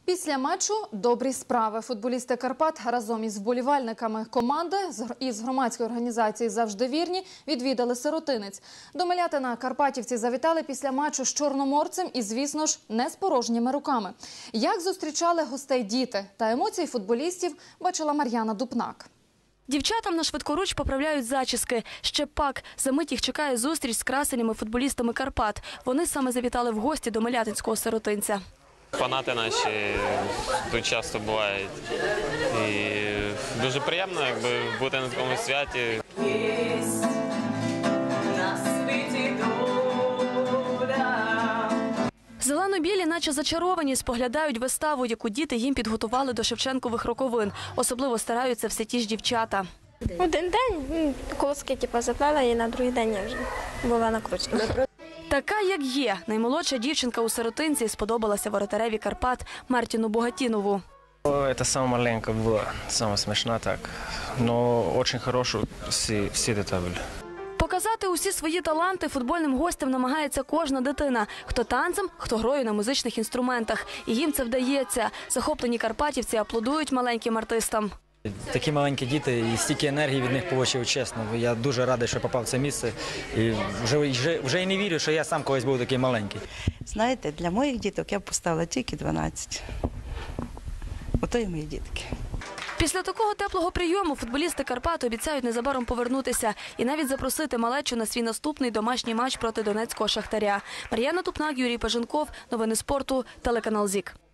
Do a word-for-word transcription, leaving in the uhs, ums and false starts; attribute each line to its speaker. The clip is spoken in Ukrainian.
Speaker 1: Після матчу добрі справи. Футболісти Карпат разом із вболівальниками команди із громадської організації «Завжди вірні» відвідали Сиротинець. До Мелятина карпатівці завітали після матчу з чорноморцем і, звісно ж, не з порожніми руками. Як зустрічали гостей діти та емоції футболістів, бачила Мар'яна Дупнак.
Speaker 2: Дівчатам на швидкоруч поправляють зачіски. Ще пак. За мить їх чекає зустріч з красенями футболістами Карпат. Вони саме завітали в гості до мелятинського сиротинця.
Speaker 3: Фанати наші тут часто бувають. І дуже приємно, якби, бути на такому святі.
Speaker 2: Зелено-білі наче зачаровані, споглядають виставу, яку діти їм підготували до Шевченкових роковин. Особливо стараються все ті ж дівчата.
Speaker 4: Один день колоски типу, заплела і на другий день я вже була накручена.
Speaker 2: Така, як є. Наймолодша дівчинка у Сиротинці сподобалася воротареві Карпат Мартіну Богатінову.
Speaker 5: Це саме маленька була, саме смішна так. Але дуже хороша всі, всі деталі.
Speaker 2: Показати усі свої таланти футбольним гостям намагається кожна дитина. Хто танцем, хто грою на музичних інструментах. І їм це вдається. Захоплені карпатівці аплодують маленьким артистам.
Speaker 6: Такі маленькі діти і стільки енергії від них отримав, чесно. Я дуже радий, що попав в це місце. І вже, вже, вже і не вірю, що я сам колись був такий маленький.
Speaker 7: Знаєте, для моїх діток я б поставила тільки дванадцять. Ото і мої дітки.
Speaker 2: Після такого теплого прийому футболісти Карпат обіцяють незабаром повернутися і навіть запросити малечу на свій наступний домашній матч проти донецького «Шахтаря». Мар'яна Дупнак, Юрій Паженков. Новини спорту. Телеканал ЗІК.